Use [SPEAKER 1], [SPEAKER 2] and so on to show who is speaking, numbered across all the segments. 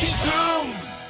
[SPEAKER 1] Zoom.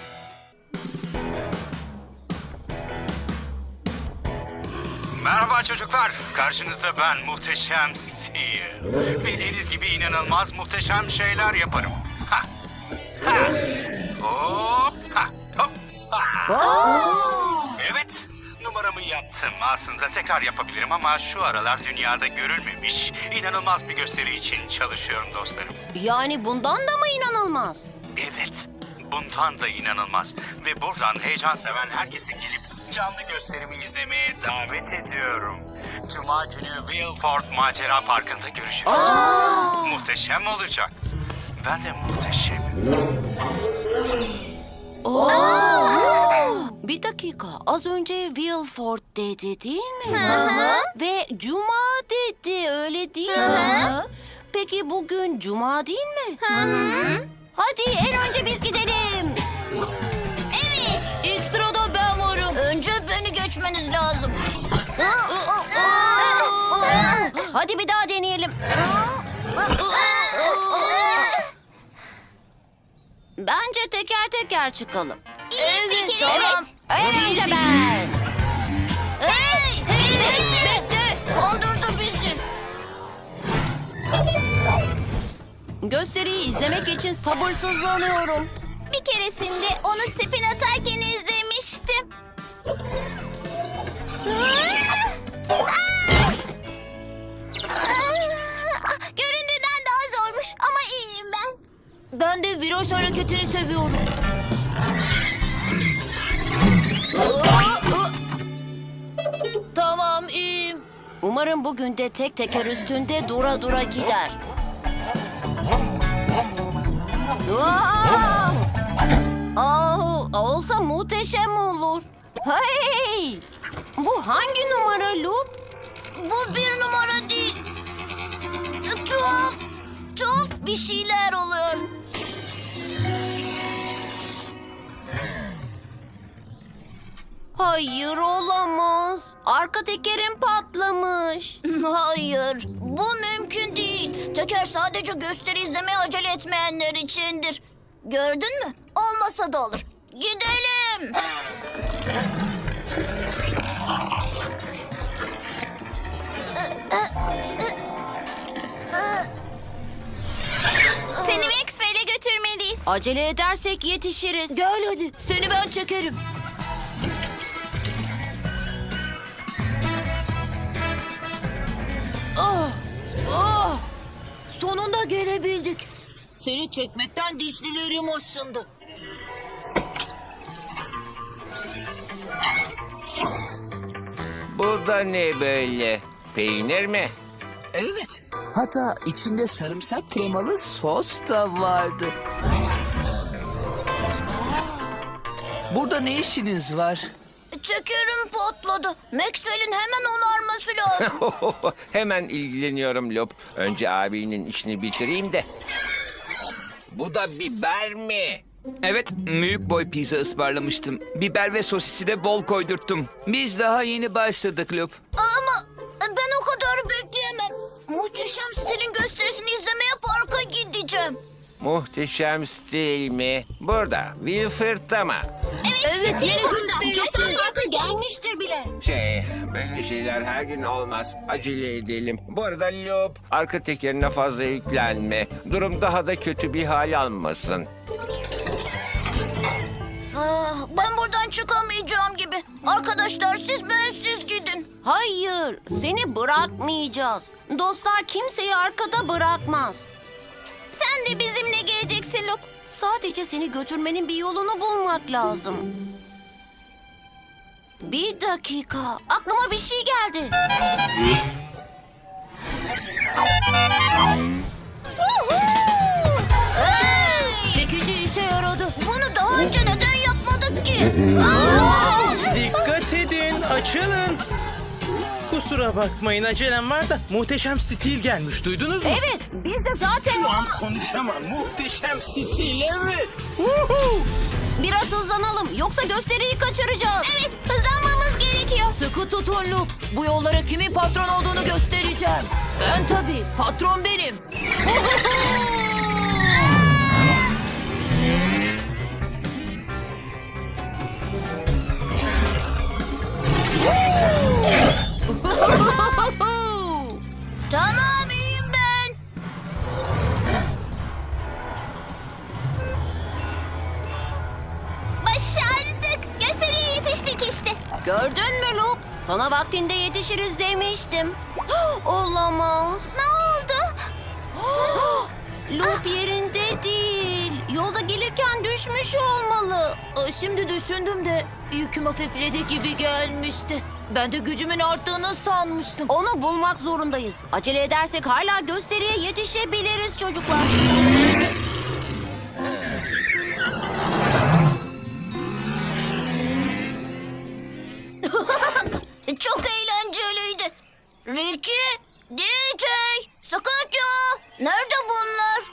[SPEAKER 2] Merhaba çocuklar. Karşınızda ben Muhteşem Steel. Bildiğiniz gibi inanılmaz muhteşem şeyler yaparım. Ha. Ha. Hop. Ha. Hop. Ha. Evet. Numaramı yaptım. Aslında tekrar yapabilirim ama şu aralar dünyada görülmemiş inanılmaz bir gösteri için çalışıyorum dostlarım.
[SPEAKER 3] Yani bundan da mı inanılmaz?
[SPEAKER 2] Evet. Bundan da inanılmaz. Ve buradan heyecan seven herkesi gelip canlı gösterimi izlemeye davet ediyorum. Cuma günü Wilford Macera Parkı'nda görüşürüz. Muhteşem olacak. Ben de muhteşemim.
[SPEAKER 3] Bir dakika, az önce Wilford dedi değil mi? Ve Cuma dedi, öyle değil mi? Peki bugün Cuma değil mi? Hadi en önce biz gidelim.
[SPEAKER 4] Evet. İlk sırada ben varım. Önce beni geçmeniz lazım.
[SPEAKER 3] Hadi bir daha deneyelim. Bence teker teker çıkalım.
[SPEAKER 4] İyi fikir.
[SPEAKER 3] Evet, en önce ben.
[SPEAKER 4] Hey, bekle. Kandırdı bizi.
[SPEAKER 3] Gösteriyi izlemek için sabırsızlanıyorum.
[SPEAKER 4] Bir keresinde onu spin atarken izlemiştim. Göründüğünden daha zormuş ama iyiyim ben. Ben de viraj hareketini seviyorum. Tamam, iyiyim.
[SPEAKER 3] Umarım bugün de tek teker üstünde dura dura gider. Olsa muhteşem olur. Hey! Bu hangi numara Lup?
[SPEAKER 4] Bu bir numara değil. Tuhaf bir şeyler oluyor.
[SPEAKER 3] Hayır, olamaz. Arka tekerim patlamış.
[SPEAKER 4] Hayır, bu mümkün değil. Teker sadece gösteri izlemeye acele etmeyenler içindir. Gördün mü? Olmasa da olur. Gidelim. Seni Maxwell'e götürmeliyiz.
[SPEAKER 3] Acele edersek yetişiriz.
[SPEAKER 4] Gel hadi, seni ben çekerim. Sonunda gelebildik. Seni çekmekten dişlilerim aşındı.
[SPEAKER 5] Bu da ne böyle? Peynir mi?
[SPEAKER 1] Evet. Hatta içinde sarımsak kremalı sos da vardı. Burada ne işiniz var?
[SPEAKER 4] Tekerim patladı. Maxwell'in hemen onarması lazım.
[SPEAKER 5] Hemen ilgileniyorum Lop. Önce abinin işini bitireyim de. Bu da biber mi?
[SPEAKER 6] Evet, büyük boy pizza ısmarlamıştım. Biber ve sosisi de bol koydurttum. Biz daha yeni başladık Lup.
[SPEAKER 4] Ama ben o kadar bekleyemem. Muhteşem Stil'in gösterisini izlemeye parka gideceğim.
[SPEAKER 5] Muhteşem stil mi? Burada. Wilford'da mı?
[SPEAKER 4] Evet yeni
[SPEAKER 3] Kesin parka gelmiştir bile.
[SPEAKER 5] Böyle şeyler her gün olmaz. Acele edelim. Bu arada Lop, arka tekerine fazla yüklenme. Durum daha da kötü bir hal almasın.
[SPEAKER 4] Ben buradan çıkamayacağım gibi. Arkadaşlar siz bensiz gidin.
[SPEAKER 3] Hayır, seni bırakmayacağız. Dostlar kimseyi arkada bırakmaz.
[SPEAKER 4] Sen de bizimle geleceksin Luke.
[SPEAKER 3] Sadece seni götürmenin bir yolunu bulmak lazım. Bir dakika, aklıma bir şey geldi.
[SPEAKER 4] Çekici işe yaradı. Bunu daha önce neden yapmadık ki?
[SPEAKER 7] Dikkat edin, açılın. Kusura bakmayın, acelem var da muhteşem stil gelmiş, duydunuz mu?
[SPEAKER 3] Evet, biz de zaten...
[SPEAKER 7] Konuşamam, muhteşem stil, evet.
[SPEAKER 3] Biraz hızlanalım, yoksa gösteriyi kaçıracağız.
[SPEAKER 4] Evet, hızlanmamız gerekiyor.
[SPEAKER 3] Sıkı tutun Luke. Bu yollara kimin patron olduğunu göstereceğim. Ben tabii, patron benim. Gördün mü Lup? Sana vaktinde yetişiriz demiştim. Olamaz.
[SPEAKER 4] Ne oldu?
[SPEAKER 3] Lup yerinde değil. Yolda gelirken düşmüş olmalı.
[SPEAKER 8] Şimdi düşündüm de yüküm hafifledi gibi gelmişti. Ben de gücümün arttığını sanmıştım.
[SPEAKER 3] Onu bulmak zorundayız. Acele edersek hala gösteriye yetişebiliriz çocuklar.
[SPEAKER 4] Çok eğlenceliydi. Ricky, DJ, Scotio, nerede bunlar?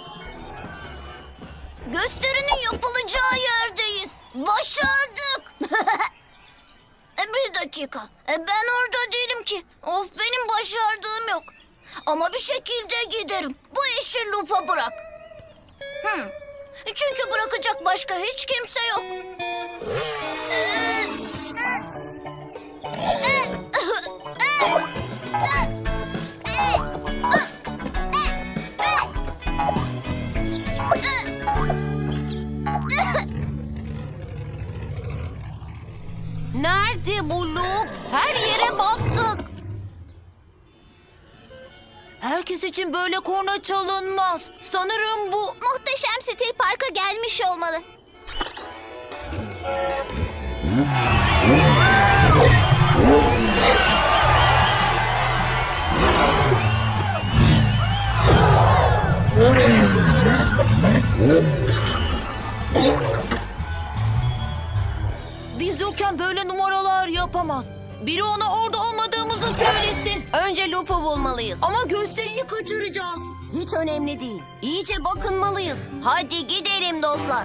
[SPEAKER 4] Gösterinin yapılacağı yerdeyiz. Başardık. Bir dakika. Ben orada değilim ki. Of, benim başardığım yok. Ama bir şekilde giderim. Bu işi Loop'a bırak. Çünkü bırakacak başka hiç kimse yok.
[SPEAKER 3] Nerede bu Lup? Her yere baktık.
[SPEAKER 8] Herkes için böyle korna çalınmaz. Sanırım bu...
[SPEAKER 4] Muhteşem Stil Park'a gelmiş olmalı.
[SPEAKER 8] Biz yokken böyle numaralar yapamaz. Biri ona orada olmadığımızı söylesin.
[SPEAKER 3] Önce Lup'u bulmalıyız.
[SPEAKER 8] Ama gösteriyi kaçıracağız.
[SPEAKER 3] Hiç önemli değil. İyice bakınmalıyız. Hadi gidelim dostlar.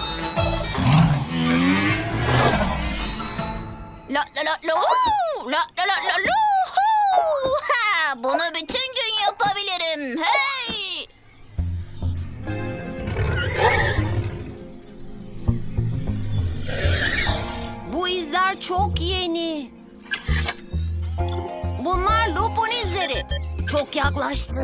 [SPEAKER 4] La la la la la la la la la. Ha, bunu bütün gün yapabilirim. Hey!
[SPEAKER 3] Bu izler çok yeni. Bunlar Lup'un izleri. Çok yaklaştı.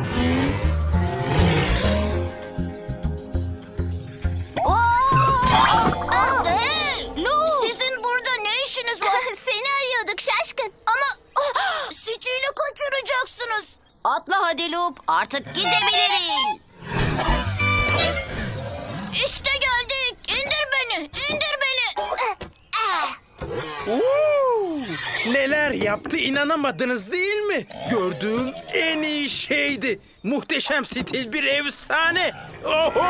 [SPEAKER 4] Hey!
[SPEAKER 3] Lup!
[SPEAKER 4] Sizin burada ne işiniz var? Seni arıyorduk şaşkın. Ama Stil'i kaçıracaksınız.
[SPEAKER 3] Atla hadi Lup. Artık gidebiliriz.
[SPEAKER 4] İşte geldik. İndir beni. İndir beni.
[SPEAKER 7] Neler yaptı inanamadınız değil mi? Gördüğüm en iyi şeydi. Muhteşem stil bir efsane. Oho!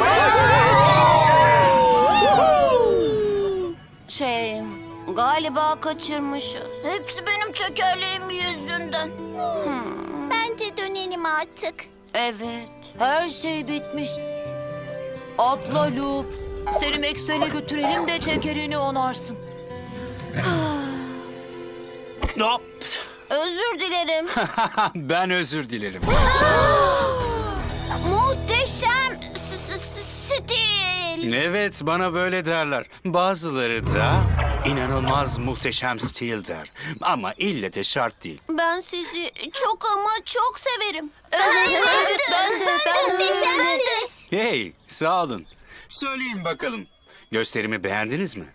[SPEAKER 3] Galiba kaçırmışız.
[SPEAKER 4] Hepsi benim tekerleğim yüzünden. Bence dönelim artık.
[SPEAKER 3] Evet.
[SPEAKER 8] Her şey bitmiş. Atla Lup. Seni Maxwell'e götürelim de tekerini onarsın.
[SPEAKER 2] Hop.
[SPEAKER 3] Özür dilerim.
[SPEAKER 2] Ben özür dilerim.
[SPEAKER 3] Muhteşem stil.
[SPEAKER 2] Evet, bana böyle derler. Bazıları da inanılmaz muhteşem stil der. Ama ille de şart değil.
[SPEAKER 3] Ben sizi çok ama çok severim.
[SPEAKER 4] Muhteşemsiniz.
[SPEAKER 2] Hey, sağ olun. Söyleyin bakalım. Gösterimi beğendiniz mi?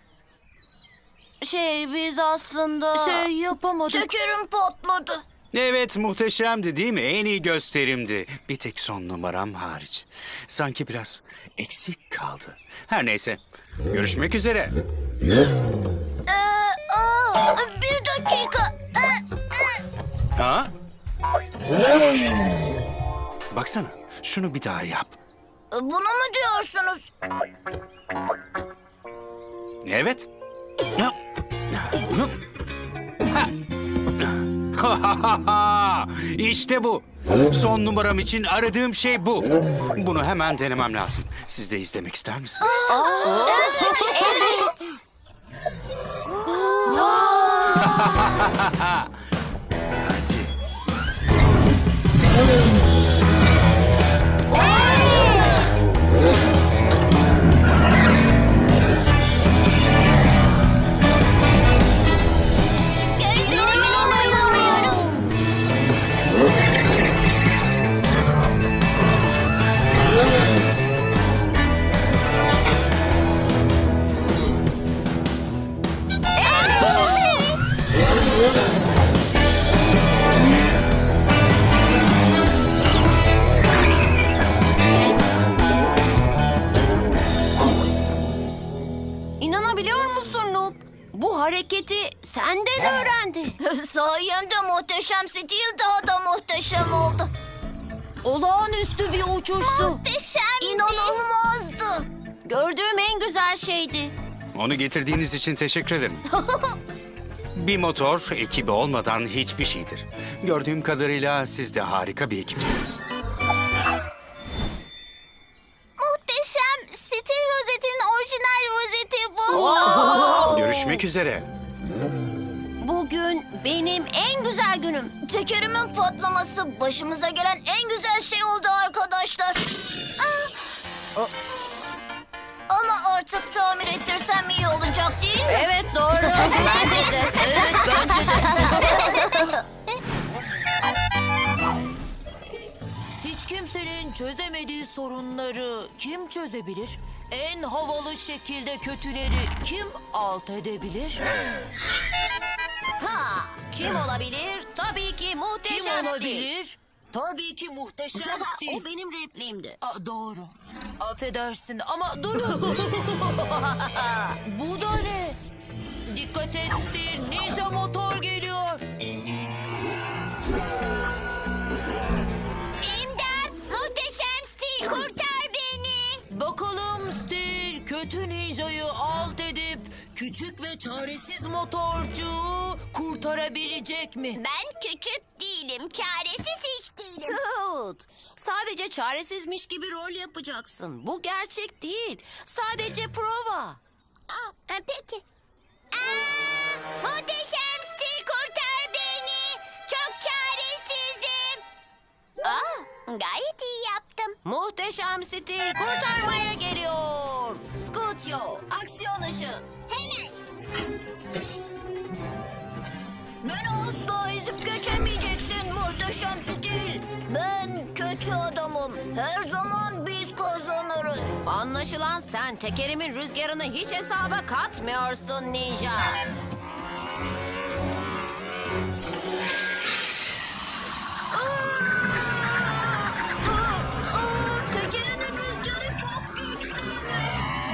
[SPEAKER 3] Biz aslında...
[SPEAKER 8] Yapamadık.
[SPEAKER 4] Tekerim patladı.
[SPEAKER 2] Evet, muhteşemdi değil mi? En iyi gösterimdi. Bir tek son numaram hariç. Sanki biraz eksik kaldı. Her neyse. Görüşmek üzere.
[SPEAKER 4] Bir dakika.
[SPEAKER 2] Ha? Baksana. Şunu bir daha yap.
[SPEAKER 4] Bunu mu diyorsunuz?
[SPEAKER 2] Evet. Ya. Ha. İşte bu. Son numaram için aradığım şey bu. Bunu hemen denemem lazım. Siz de izlemek ister misiniz? Hadi.
[SPEAKER 4] Gözlerime inanamıyorum.
[SPEAKER 3] biliyor musun Noob? Bu hareketi senden öğrendi.
[SPEAKER 4] Sayemde muhteşem Steel daha da muhteşem oldu.
[SPEAKER 8] Olağanüstü bir uçuştu.
[SPEAKER 4] Muhteşemdi. İnanılmazdı.
[SPEAKER 3] Gördüğüm en güzel şeydi.
[SPEAKER 2] Onu getirdiğiniz için teşekkür ederim. Bir motor ekibi olmadan hiçbir şeydir. Gördüğüm kadarıyla siz de harika bir ekipsiniz.
[SPEAKER 4] Muhteşem Steel rozetin orijinal rozeti bu.
[SPEAKER 2] Görüşmek üzere.
[SPEAKER 3] Bugün benim en güzel günüm.
[SPEAKER 4] Tekerimin patlaması başımıza gelen en güzel şey oldu arkadaşlar. Ama artık tamir ettirsem iyi olacak değil mi?
[SPEAKER 3] Evet doğru. Bence de.
[SPEAKER 8] Evet, bence de. Hiç kimsenin çözemediği sorunları kim çözebilir? En havalı şekilde kötüleri kim alt edebilir?
[SPEAKER 3] Ha, kim olabilir? Tabii ki
[SPEAKER 8] Kim
[SPEAKER 3] muhteşem Steel.
[SPEAKER 8] olabilir? Tabii ki muhteşem Steel.
[SPEAKER 3] O benim repliğimdi.
[SPEAKER 8] Doğru. Affedersin ama durun. Bu da ne? Dikkat et Steel, ninja motor geliyor.
[SPEAKER 4] İmdat! Muhteşem Steel kurtar beni.
[SPEAKER 8] Bakalım Steel, kötü ninjayı alt edip küçük ve çaresiz motorcuğu kurtarabilecek mi?
[SPEAKER 4] Ben küçük değilim, çaresiz hiç değilim.
[SPEAKER 3] Tut. Sadece çaresizmiş gibi rol yapacaksın. Bu gerçek değil. Sadece prova.
[SPEAKER 4] Peki. Muhteşem Steel kurtar beni. Çok çaresizim. Gayet iyi yaptım.
[SPEAKER 3] Muhteşem Steel kurtarmaya geliyor. Scootio, aksiyon ışığı.
[SPEAKER 4] Hemen. Beni asla ezip geçemeyeceksin muhteşem Steel. Ben kötü adamım. Her zaman biz kazanırız.
[SPEAKER 3] Anlaşılan sen tekerimin rüzgarını hiç hesaba katmıyorsun ninja.
[SPEAKER 4] Tekerinin rüzgarı çok güçlüymüş.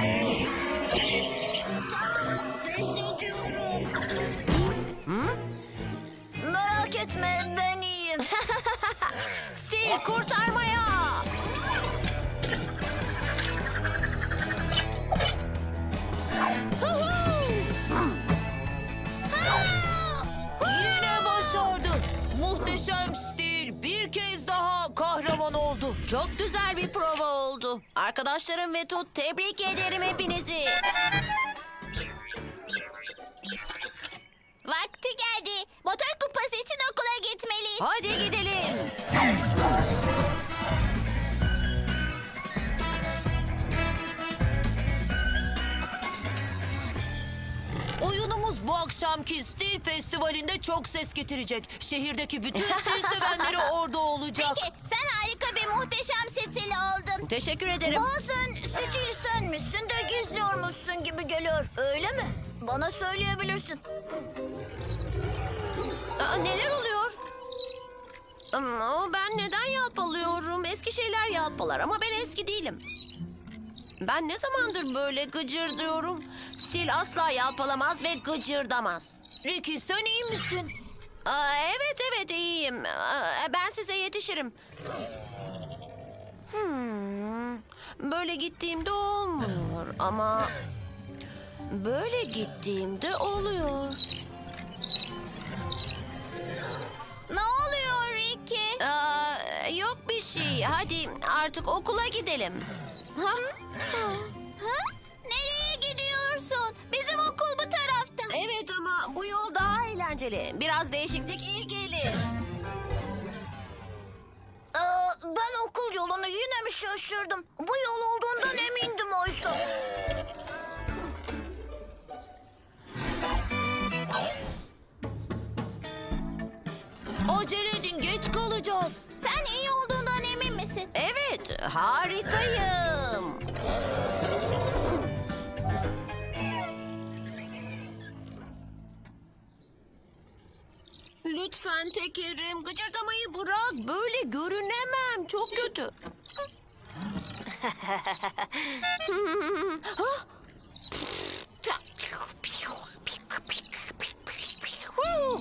[SPEAKER 4] Tamam, pes ediyorum. Merak etme, ben iyiyim.
[SPEAKER 3] Steel kurtarmaya.
[SPEAKER 8] Yine başardı. Muhteşem Steel bir kez daha kahraman oldu.
[SPEAKER 3] Çok güzel bir prova oldu. Arkadaşlarım ve Tut, tebrik ederim hepinizi.
[SPEAKER 4] Vakti geldi. Motor kupası için okula gitmeliyiz.
[SPEAKER 3] Hadi gidelim.
[SPEAKER 8] Oyunumuz bu akşamki Steel Festivali'nde çok ses getirecek. Şehirdeki bütün Steel sevenleri orada olacak.
[SPEAKER 4] Peki, sen harika bir muhteşem Steel oldun.
[SPEAKER 3] Teşekkür ederim.
[SPEAKER 4] Bazen Steel senmişsin de gizliyormuşsun gibi geliyor. Öyle mi? Bana söyleyebilirsin.
[SPEAKER 3] Neler oluyor? Ama ben neden yalpalıyorum? Eski şeyler yalpalar ama ben eski değilim. Ben ne zamandır böyle gıcırdıyorum? Steel asla yalpalamaz ve gıcırdamaz.
[SPEAKER 8] Ricky sen iyi misin?
[SPEAKER 3] Evet iyiyim. Ben size yetişirim. Böyle gittiğimde olmuyor ama böyle gittiğimde oluyor.
[SPEAKER 4] Ne oluyor Ricky?
[SPEAKER 3] Yok bir şey. Hadi artık okula gidelim. Ha?
[SPEAKER 4] Nereye gidiyorsun? Bizim okul bu tarafta.
[SPEAKER 3] Evet ama bu yol daha eğlenceli. Biraz değişiklik iyi gelir.
[SPEAKER 4] Ben okul yolunu yine mi şaşırdım? Bu yol olduğundan emindim oysa.
[SPEAKER 8] Acele edin geç kalacağız.
[SPEAKER 4] Sen iyi olduğundan emin misin?
[SPEAKER 3] Evet, harikayım. Lütfen Tekerim, gıcırdamayı bırak. Böyle görünemem. Çok kötü.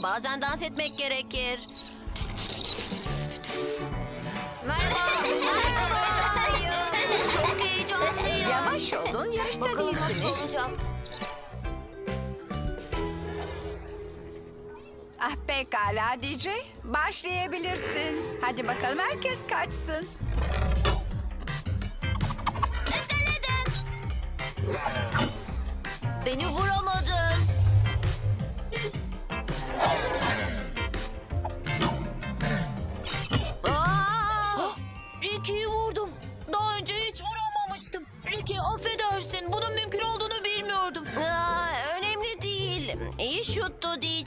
[SPEAKER 3] Bazen dans etmek gerekir.
[SPEAKER 4] Çok heyecanlıyım.
[SPEAKER 9] Yavaş olun, yarışta
[SPEAKER 4] Bakalım nasıl
[SPEAKER 9] değilsiniz.
[SPEAKER 4] olacak.
[SPEAKER 9] Ah pekala DJ, başlayabilirsin. Hadi bakalım herkes kaçsın.
[SPEAKER 4] Iskaladım. Beni vuramadın.
[SPEAKER 8] Ricky'yi vurdum. Daha önce hiç vuramamıştım. Ricky affedersin. Bunun mümkün olduğunu bilmiyordum.
[SPEAKER 3] Önemli değil. İyi şuttu DJ.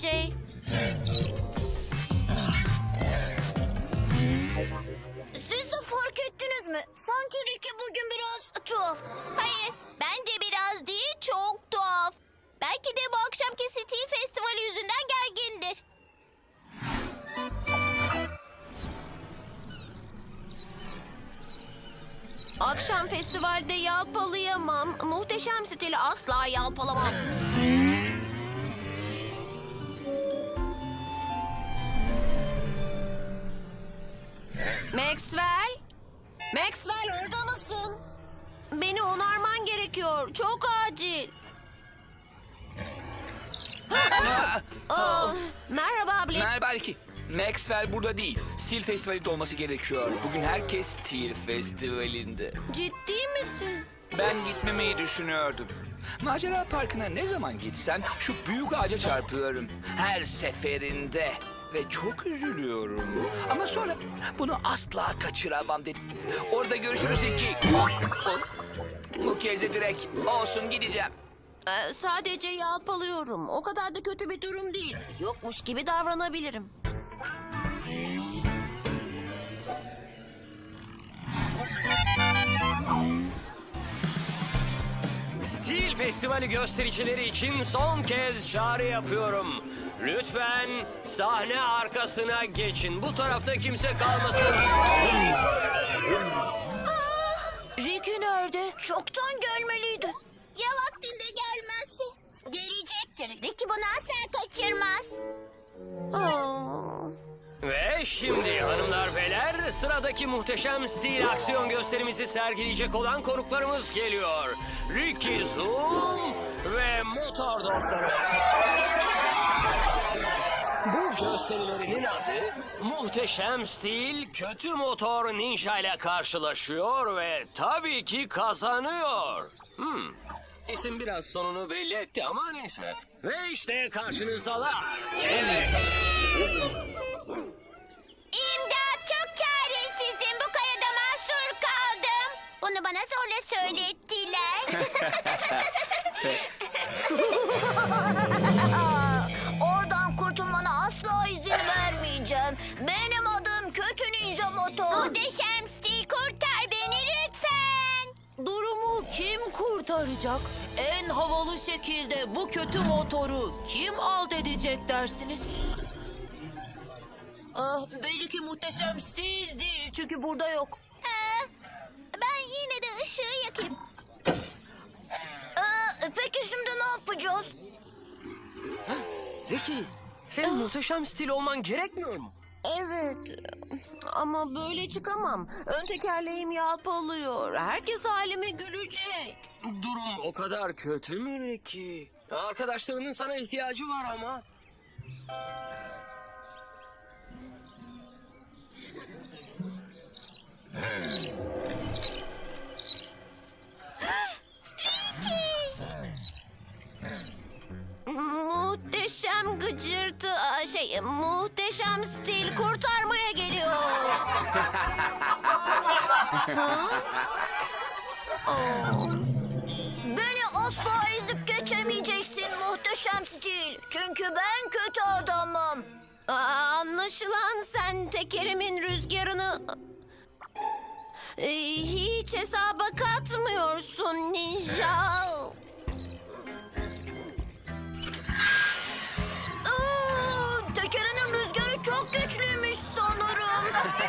[SPEAKER 4] Siz de fark ettiniz mi? Sanki Ricky bugün biraz tuhaf. Hayır, bence biraz değil, çok tuhaf. Belki de bu akşamki Steel Festivali yüzünden gergindir.
[SPEAKER 3] Akşam festivalde yalpalayamam. Muhteşem stili asla yalpalamaz. Maxwell? Maxwell orada mısın? Beni onarman gerekiyor. Çok acil. Merhaba Blip.
[SPEAKER 6] Merhaba Ricky. Maxwell burada değil. Steel Festivali'de olması gerekiyor. Bugün herkes Steel Festivali'nde.
[SPEAKER 3] Ciddi misin?
[SPEAKER 6] Ben gitmemeyi düşünüyordum. Macera Parkı'na ne zaman gitsem şu büyük ağaca çarpıyorum. Her seferinde. Ve çok üzülüyorum. Ama sonra bunu asla kaçıramam dedim. Orada görüşürüz Ricky. Bu kez de direkt olsun gideceğim.
[SPEAKER 3] Sadece yalpalıyorum. O kadar da kötü bir durum değil. Yokmuş gibi davranabilirim.
[SPEAKER 10] Steel Festivali göstericileri için son kez çağrı yapıyorum. Lütfen sahne arkasına geçin. Bu tarafta kimse kalmasın.
[SPEAKER 8] Ricky nerede?
[SPEAKER 4] Çoktan gelmeliydi. Ya vaktinde gelmezse? Gelecektir. Ricky bunu asla kaçırmaz.
[SPEAKER 10] Ve şimdi hanımlar beyler sıradaki muhteşem stil aksiyon gösterimizi sergileyecek olan konuklarımız geliyor. Ricky Zoom ve motor dostları. Bu gösterilerinin adı Muhteşem Stil Kötü Motor Ninja ile karşılaşıyor ve tabii ki kazanıyor. İsim biraz sonunu belli etti ama neyse. Ve işte karşınızdalar. Evet.
[SPEAKER 4] İmdat, çok çaresizim. Bu kayada mahsur kaldım. Bunu bana zorla söylettiler. Oradan kurtulmana asla izin vermeyeceğim. Benim adım Kötü Ninja Motor. Muhteşem Stil, kurtar beni lütfen.
[SPEAKER 8] Durumu kim kurtaracak? En havalı şekilde bu kötü motoru kim alt edecek dersiniz? Belli ki muhteşem stil değil çünkü burada yok.
[SPEAKER 4] Ben yine de ışığı yakayım. Peki şimdi ne yapacağız?
[SPEAKER 10] Ricky, senin muhteşem stil olman gerekmiyor mu?
[SPEAKER 3] Evet. Ama böyle çıkamam. Ön tekerleğim yalpalıyor. Herkes halime gülecek.
[SPEAKER 10] Durum o kadar kötü mü Ricky? Arkadaşlarının sana ihtiyacı var ama.
[SPEAKER 3] Muhteşem gıcırtı, muhteşem stil kurtarmaya geliyor.
[SPEAKER 4] Beni asla ezip geçemeyeceksin muhteşem stil. Çünkü ben kötü adamım.
[SPEAKER 3] Anlaşılan sen tekerimin rüzgarını hiç hesaba katmıyorsun ninja.
[SPEAKER 4] Tekerinin rüzgarı çok güçlüymüş sanırım.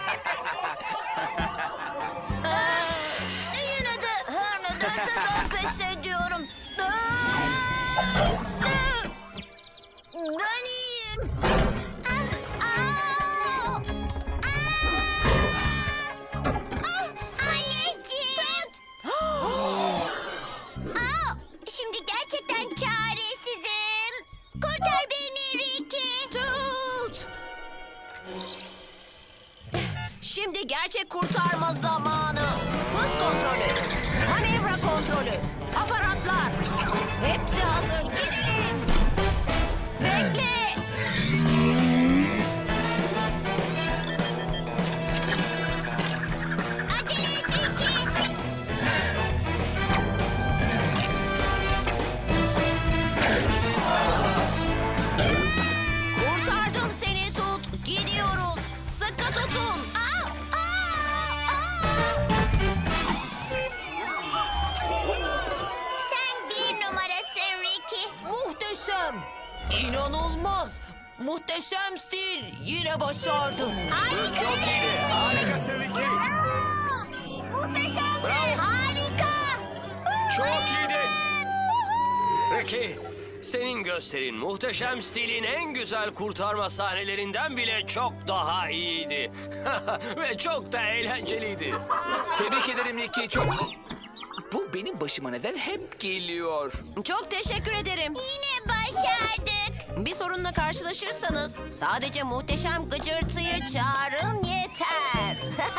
[SPEAKER 4] Yine de her nedense ben pes ediyorum. Ben iyiyim.
[SPEAKER 8] İnanılmaz. Muhteşem stil yine başardım.
[SPEAKER 10] Çok iyiydi. Harikasın Ricky.
[SPEAKER 4] Muhteşem.
[SPEAKER 10] Bravo.
[SPEAKER 4] Harika.
[SPEAKER 10] Çok iyiydi. Ricky, senin gösterin muhteşem stilin en güzel kurtarma sahnelerinden bile çok daha iyiydi. Ve çok da eğlenceliydi.
[SPEAKER 6] Tebrik ederim Ricky. Çok... Bu benim başıma neden hep geliyor?
[SPEAKER 3] Çok teşekkür ederim.
[SPEAKER 4] Yine başardık.
[SPEAKER 3] Bir sorunla karşılaşırsanız sadece muhteşem gıcırtıyı çağırın yeter.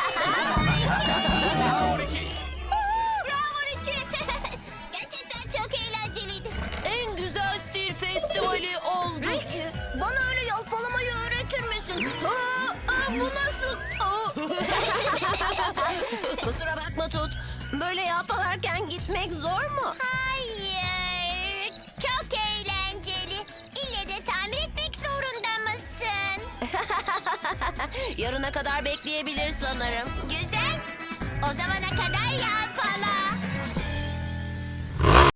[SPEAKER 6] Bravo Ricky.
[SPEAKER 4] Bravo Ricky. Gerçekten çok eğlenceliydi.
[SPEAKER 8] En güzel stil festivali oldu.
[SPEAKER 4] Ricky, bana öyle yalpalamayı öğretir misin? Bu nasıl?
[SPEAKER 3] Kusura bakma Tut. Böyle yalpalarken gitmek zor mu?
[SPEAKER 4] Hayır. Çok eğlenceli. İlle de tamir etmek zorunda mısın?
[SPEAKER 3] Yarına kadar bekleyebilir sanırım.
[SPEAKER 4] Güzel. O zamana kadar yağ